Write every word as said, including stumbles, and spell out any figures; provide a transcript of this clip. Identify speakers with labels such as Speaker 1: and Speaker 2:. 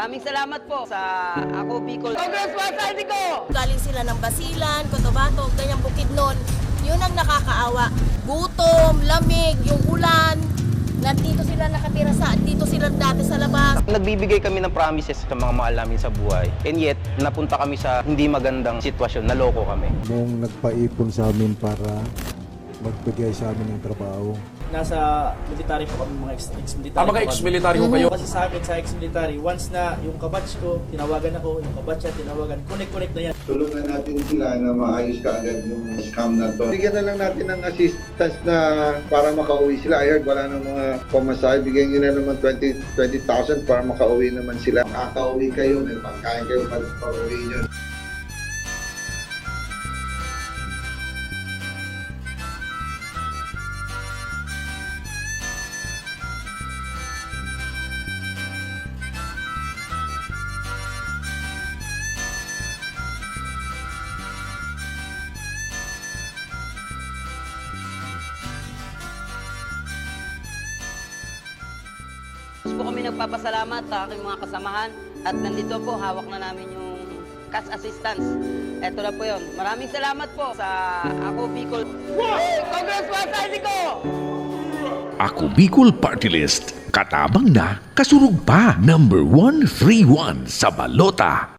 Speaker 1: Maraming salamat po sa Ako Bicol Congress Party ko!
Speaker 2: Galing sila ng Basilan, Cotabato, ganyang Bukidnon. Yun ang nakakaawa. Gutom, lamig, yung ulan. Nandito sila nakatira sa, dito sila dati sa labas.
Speaker 3: Nagbibigay kami ng promises sa mga mahal namin sa buhay. And yet, napunta kami sa hindi magandang sitwasyon, naloko kami.
Speaker 4: Nung nagpaipon sa amin para magbigay sa amin ng trabaho.
Speaker 5: Nasa military po kami, mga ex- ex-military.
Speaker 6: Ah, mga ex-military ko kayo?
Speaker 5: Kasi sa akin, sa ex-military, once na yung kabatch ko, tinawagan ako, yung kabatch niya, tinawagan, connect-connect na yan.
Speaker 7: Tulungan natin sila na maayos kaagad yung scam na to. Bigyan na lang natin ng assistance na para makauwi sila. I heard wala ng mga pamasahe. Bigyan nyo na naman twenty thousand para makauwi naman sila. Makakauwi kayo, may pagkain kayo pag pauwi nyo.
Speaker 1: Po kami nagpapasalamat sa aking mga kasamahan at nandito po, hawak na namin yung cash assistance. Ito na po yun. Maraming salamat po sa Ako Bicol Congress Party ko!
Speaker 8: Ako Bicol Party List, katabang na, kasurug pa, number one three one sa balota.